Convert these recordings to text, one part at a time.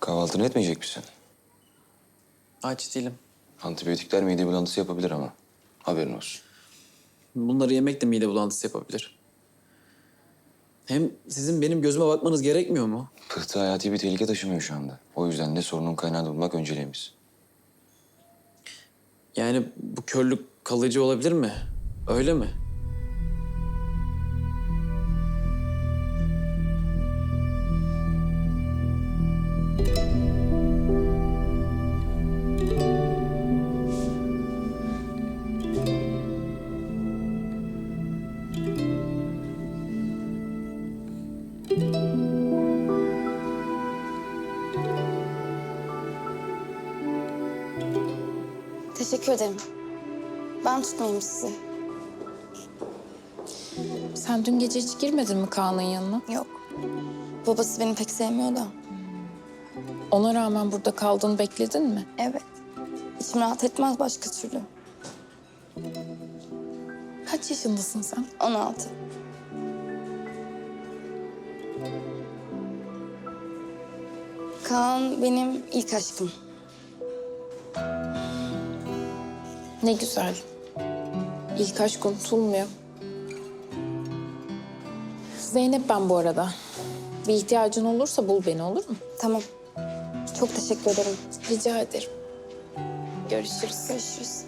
Kahvaltını etmeyecek misin? Aç değilim. Antibiyotikler mide bulantısı yapabilir ama. Haberin olsun. Bunları yemek de mide bulantısı yapabilir. Hem sizin benim gözüme bakmanız gerekmiyor mu? Pıhtı hayati bir tehlike taşımıyor şu anda. O yüzden de sorunun kaynağını bulmak önceliğimiz. Yani bu körlük kalıcı olabilir mi? Öyle mi? Teşekkür ederim. Ben tutmayayım sizi. Sen dün gece hiç girmedin mi Kaan'ın yanına? Yok. Babası beni pek sevmiyor da. Ona rağmen burada kaldığını bekledin mi? Evet. İçim rahat etmez başka türlü. Kaç yaşındasın sen? 16. Kaan benim ilk aşkım. Ne güzel. İlk aşk unutulmuyor. Zeynep ben bu arada. Bir ihtiyacın olursa bul beni, olur mu? Tamam. Çok teşekkür ederim. Rica ederim. Görüşürüz. Görüşürüz.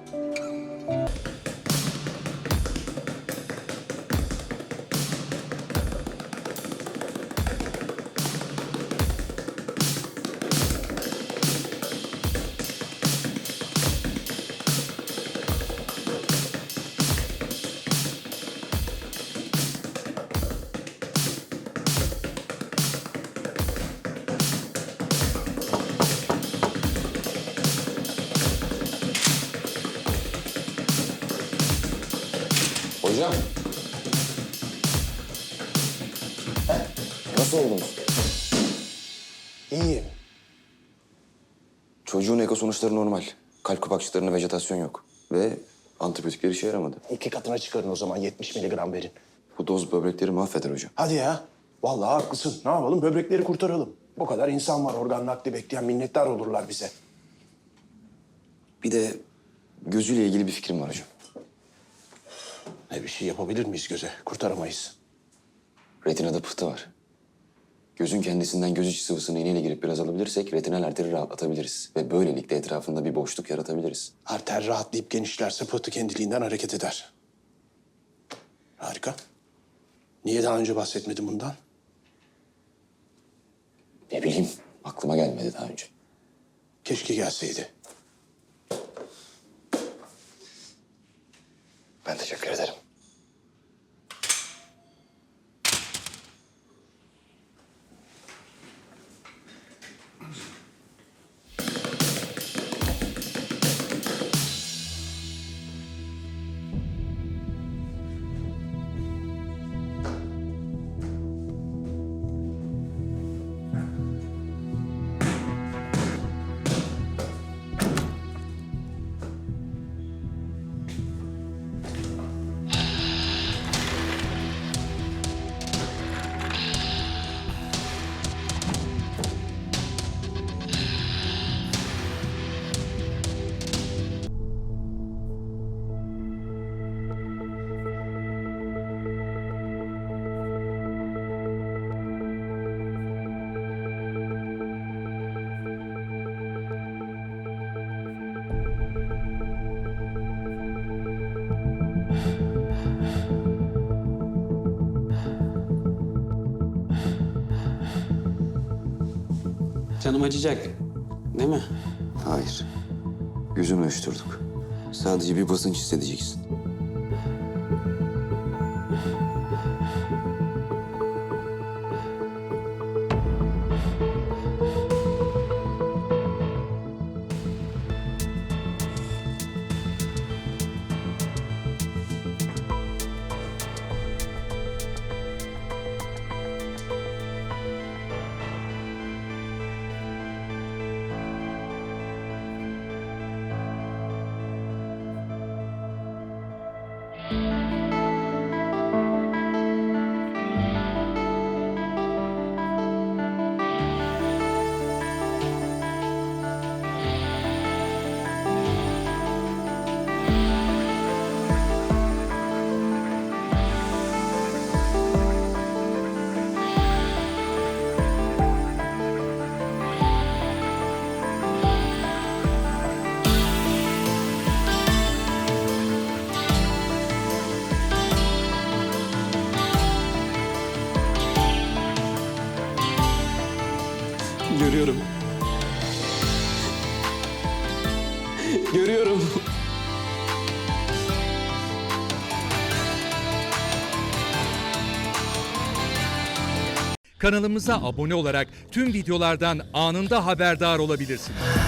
Hocam. Nasıl oldunuz? İyiyim. Çocuğun eko sonuçları normal. Kalp kapakçıklarında vejetasyon yok. Ve antibiyotikler işe yaramadı. 2 katına çıkarın o zaman 70 miligram verin. Bu doz böbrekleri mahveder hocam. Hadi ya. Vallahi haklısın. Ne yapalım? Böbrekleri kurtaralım. Bu kadar insan var organ nakli bekleyen, minnettar olurlar bize. Bir de gözüyle ilgili bir fikrim var hocam. Ne bir şey yapabilir miyiz göze? Kurtaramayız. Retinada pıhtı var. Gözün kendisinden göz içi sıvısını iğneyle girip biraz alabilirsek retinal arteri rahatlatabiliriz. Ve böylelikle etrafında bir boşluk yaratabiliriz. Arter rahatlayıp genişlerse pıhtı kendiliğinden hareket eder. Harika. Niye daha önce bahsetmedin bundan? Ne bileyim, aklıma gelmedi daha önce. Keşke gelseydi. Ben teşekkür ederim. Canım acıyacak. Değil mi? Hayır. Gözünü ölçtürdük. Sadece bir basınç hissedeceksin. Görüyorum. Görüyorum. Kanalımıza abone olarak tüm videolardan anında haberdar olabilirsiniz.